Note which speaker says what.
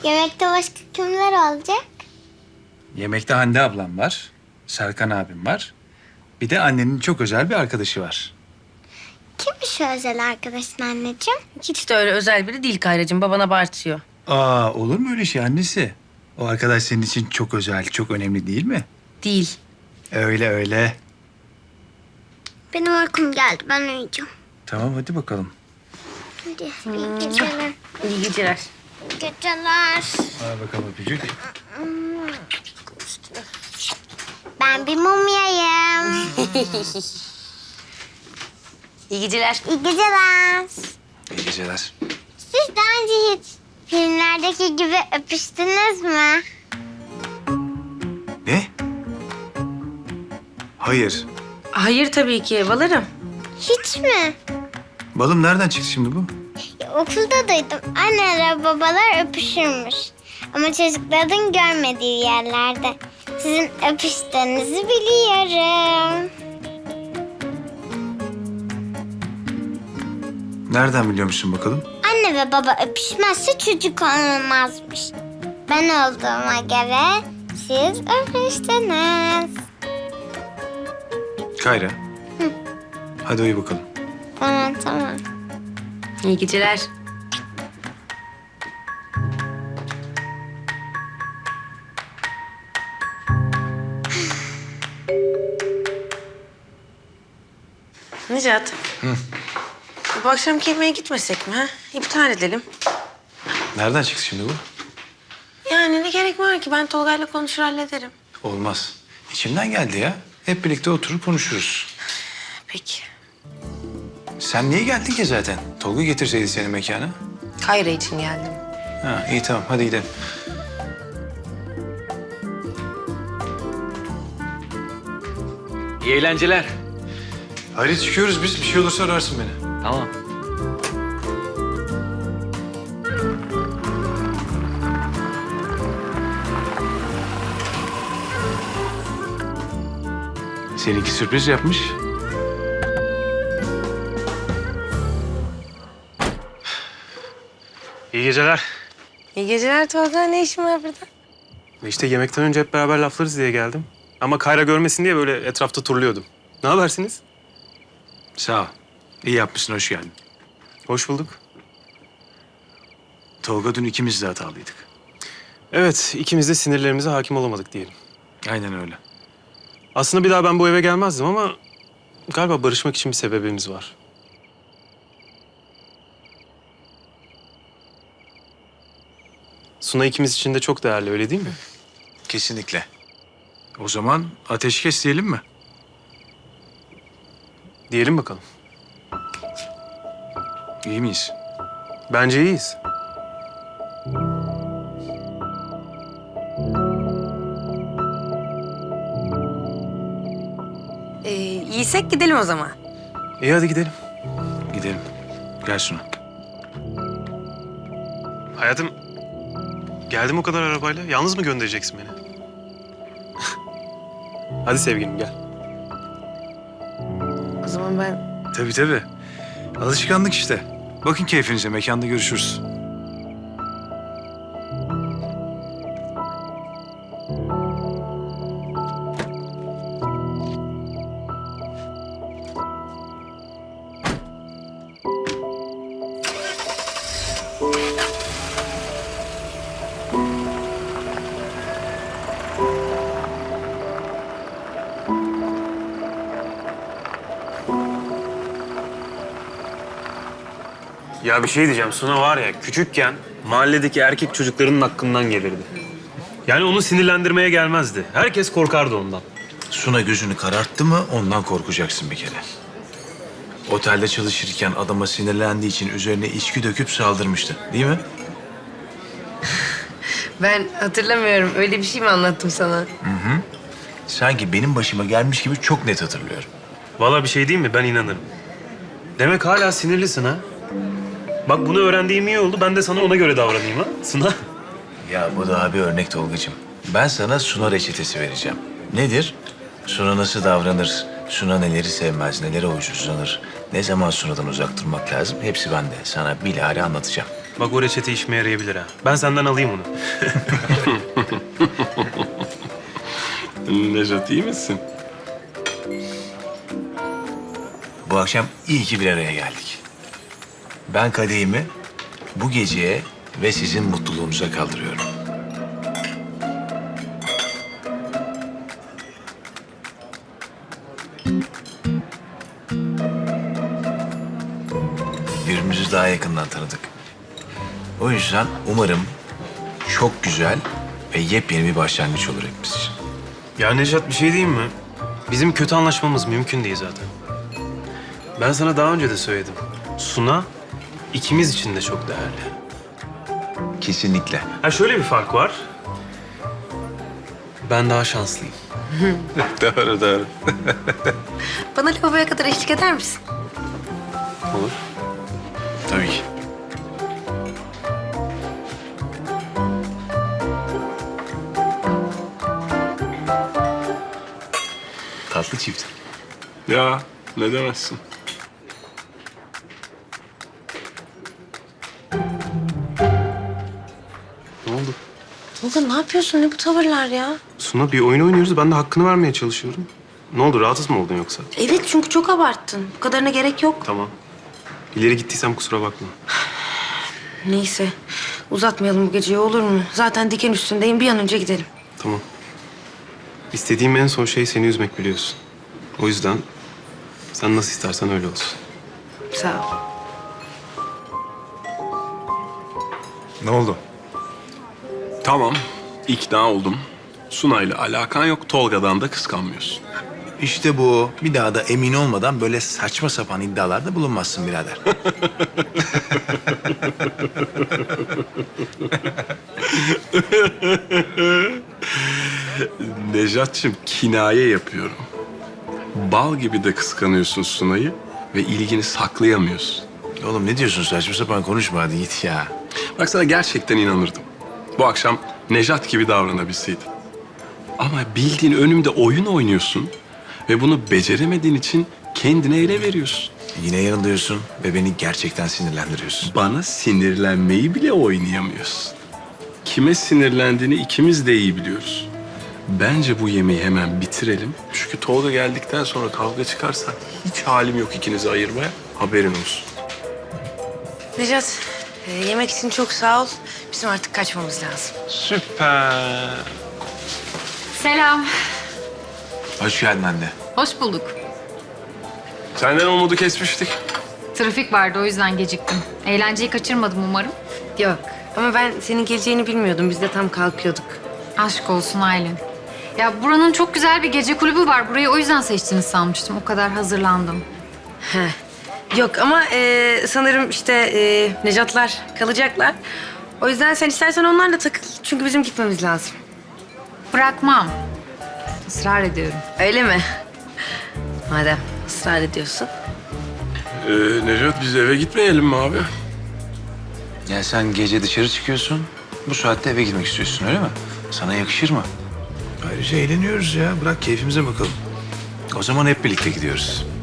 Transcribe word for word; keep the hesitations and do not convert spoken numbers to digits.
Speaker 1: Yemekte başka kimler olacak?
Speaker 2: Yemekte Hande ablam var, Serkan abim var. Bir de annenin çok özel bir arkadaşı var.
Speaker 1: Kimmiş şu özel arkadaşın anneciğim?
Speaker 3: Hiç de öyle özel biri değil Kayracığım. Baban abartıyor.
Speaker 2: Aa, olur mu öyle şey annesi? O arkadaş senin için çok özel, çok önemli değil mi?
Speaker 3: Değil.
Speaker 2: Öyle öyle.
Speaker 1: Benim uykum geldi. Ben uyuyacağım.
Speaker 2: Tamam hadi bakalım.
Speaker 1: Hadi iyi geceler.
Speaker 3: İyi geceler.
Speaker 1: Geceler.
Speaker 2: Al bakalım öpücük.
Speaker 1: Ben bir mumyayım.
Speaker 3: İyi geceler.
Speaker 1: İyi geceler.
Speaker 2: İyi geceler.
Speaker 1: Siz daha önce hiç filmlerdeki gibi öpüştünüz mü?
Speaker 2: Ne? Hayır.
Speaker 3: Hayır tabii ki. Balarım.
Speaker 1: Hiç mi?
Speaker 2: Balım nereden çıktı şimdi bu?
Speaker 1: Ya, okulda duydum. Anneler babalar öpüşürmüş. Ama çocukların görmediği yerlerde. Sizin öpüştüğünüzü biliyorum.
Speaker 2: Nereden biliyor musun bakalım?
Speaker 1: Anne ve baba öpüşmezse çocuk olmazmış. Ben olduğuma göre siz öpüştünüz.
Speaker 2: Kayra. Hadi uyu bakalım.
Speaker 1: Tamam tamam.
Speaker 3: İyi geceler. Necat.
Speaker 2: Hı.
Speaker 3: Bu akşamki yemeğe gitmesek mi ha? İptal edelim.
Speaker 2: Nereden çıktı şimdi bu?
Speaker 3: Yani ne gerek var ki? Ben Tolga'yla konuşur hallederim.
Speaker 2: Olmaz. İçimden geldi ya. Hep birlikte oturup konuşuruz.
Speaker 3: Peki.
Speaker 2: Sen niye geldin ki zaten? Tolga getirseydi seni mekana.
Speaker 3: Kayra için geldim.
Speaker 2: Ha, iyi tamam hadi gidelim.
Speaker 4: İyi eğlenceler.
Speaker 2: Hadi çıkıyoruz biz. Bir şey olursa ararsın beni.
Speaker 4: Tamam.
Speaker 2: Seninki sürpriz yapmış.
Speaker 5: İyi geceler.
Speaker 3: İyi geceler Tolga. Ne işin var burada?
Speaker 5: İşte yemekten önce hep beraber laflarız diye geldim. Ama Kayra görmesin diye böyle etrafta turluyordum. Ne habersiniz?
Speaker 2: Sağ ol. İyi yapmışsın, hoş geldin.
Speaker 5: Hoş bulduk.
Speaker 2: Tolga dün ikimiz de hatalıydık.
Speaker 5: Evet, ikimiz de sinirlerimize hakim olamadık diyelim.
Speaker 2: Aynen öyle.
Speaker 5: Aslında bir daha ben bu eve gelmezdim ama galiba barışmak için bir sebebimiz var. Suna ikimiz için de çok değerli, öyle değil mi?
Speaker 2: Kesinlikle. O zaman ateşkes diyelim mi?
Speaker 5: Diyelim bakalım.
Speaker 2: İyi miyiz?
Speaker 5: Bence iyiyiz.
Speaker 3: Ee, iyiysek gidelim o zaman.
Speaker 5: İyi hadi gidelim.
Speaker 2: Gidelim. Gel Suna.
Speaker 5: Hayatım, geldim o kadar arabayla. Yalnız mı göndereceksin beni? Hadi sevgilim gel.
Speaker 3: O zaman ben...
Speaker 2: Tabii tabii. Alışkanlık işte. Bakın keyfinize, mekanda görüşürüz.
Speaker 5: Ya bir şey diyeceğim. Suna var ya küçükken mahalledeki erkek çocuklarının hakkından gelirdi. Yani onu sinirlendirmeye gelmezdi. Herkes korkardı ondan.
Speaker 2: Suna gözünü kararttı mı ondan korkacaksın bir kere. Otelde çalışırken adama sinirlendiği için üzerine içki döküp saldırmıştı. Değil mi?
Speaker 3: Ben hatırlamıyorum. Öyle bir şey mi anlattım sana?
Speaker 2: Sanki benim başıma gelmiş gibi çok net hatırlıyorum.
Speaker 5: Vallahi bir şey diyeyim mi? Ben inanırım. Demek hala sinirlisin ha? Bak bunu öğrendiğim iyi oldu. Ben de sana ona göre davranayım ha Suna.
Speaker 2: Ya bu daha bir örnek Tolgacığım. Ben sana Suna reçetesi vereceğim. Nedir? Suna nasıl davranır? Suna neleri sevmez, nelere huysuzlanır? Ne zaman Suna'dan uzak durmak lazım? Hepsi bende. Sana bilahare anlatacağım.
Speaker 5: Bak o reçete işime yarayabilir ha. Ben senden alayım onu.
Speaker 4: Nejat iyi misin?
Speaker 2: Bu akşam iyi ki bir araya geldik. Ben kadehimi bu geceye ve sizin mutluluğunuza kaldırıyorum. Birbirimizi daha yakından tanıdık. O yüzden umarım çok güzel ve yepyeni bir başlangıç olur hepimiz için.
Speaker 5: Ya Nejat bir şey diyeyim mi? Bizim kötü anlaşmamız mümkün değil zaten. Ben sana daha önce de söyledim. Suna ikimiz için de çok değerli.
Speaker 2: Kesinlikle.
Speaker 5: Ha şöyle bir fark var. Ben daha şanslıyım.
Speaker 4: Doğru doğru.
Speaker 3: Bana lavaboya kadar eşlik eder misin?
Speaker 5: Olur.
Speaker 2: Tabii ki. Tatlı çift.
Speaker 4: Ya ne demezsin.
Speaker 5: Ne oldu?
Speaker 3: Tolga ne yapıyorsun? Ne bu tavırlar ya?
Speaker 5: Suna bir oyun oynuyoruz. Ben de hakkını vermeye çalışıyorum. Ne oldu? Rahatsız mı oldun yoksa?
Speaker 3: Evet çünkü çok abarttın. Bu kadarına gerek yok.
Speaker 5: Tamam. İleri gittiysem kusura bakma.
Speaker 3: Neyse uzatmayalım bu geceyi olur mu? Zaten diken üstündeyim. Bir an önce gidelim.
Speaker 5: Tamam. İstediğim en son şey seni üzmek biliyorsun. O yüzden sen nasıl istersen öyle olsun.
Speaker 3: Sağ ol.
Speaker 2: Ne oldu?
Speaker 4: Tamam, ikna oldum. Sunay'la alakan yok, Tolga'dan da kıskanmıyorsun.
Speaker 2: İşte bu. Bir daha da emin olmadan böyle saçma sapan iddialarda bulunmazsın birader.
Speaker 4: Nejat'cığım kinaye yapıyorum. Bal gibi de kıskanıyorsun Sunay'ı ve ilgini saklayamıyorsun.
Speaker 2: Oğlum ne diyorsun, saçma sapan konuşma, hadi git ya.
Speaker 4: Bak sana gerçekten inanırdım. Bu akşam Nejat gibi davranabilseydim. Ama bildiğin önümde oyun oynuyorsun ve bunu beceremediğin için kendine ele veriyorsun.
Speaker 2: Yine yanılıyorsun ve beni gerçekten sinirlendiriyorsun.
Speaker 4: Bana sinirlenmeyi bile oynayamıyorsun. Kime sinirlendiğini ikimiz de iyi biliyoruz. Bence bu yemeği hemen bitirelim. Çünkü Tolga geldikten sonra kavga çıkarsa hiç halim yok ikinizi ayırmaya. Haberin olsun.
Speaker 3: Necat, e, yemek için çok sağ ol. Bizim artık kaçmamız lazım.
Speaker 4: Süper.
Speaker 6: Selam.
Speaker 2: Hoş geldin anne.
Speaker 6: Hoş bulduk.
Speaker 4: Senden umudu kesmiştik.
Speaker 6: Trafik vardı o yüzden geciktim. Eğlenceyi kaçırmadım umarım.
Speaker 3: Yok ama ben senin geleceğini bilmiyordum. Biz de tam kalkıyorduk.
Speaker 6: Aşk olsun Aylin. Ya buranın çok güzel bir gece kulübü var. Burayı o yüzden seçtiniz sanmıştım. O kadar hazırlandım.
Speaker 3: He. Yok ama e, sanırım işte e, Necatlar kalacaklar. O yüzden sen istersen onlarla takıl. Çünkü bizim gitmemiz lazım.
Speaker 6: Bırakmam. Israr ediyorum.
Speaker 3: Öyle mi? Madem ısrar ediyorsun.
Speaker 4: Ee, Nejat biz eve gitmeyelim mi abi?
Speaker 2: Ya sen gece dışarı çıkıyorsun, bu saatte eve gitmek istiyorsun öyle mi? Sana yakışır mı? Ayrıca eğleniyoruz ya, bırak keyfimize bakalım. O zaman hep birlikte gidiyoruz.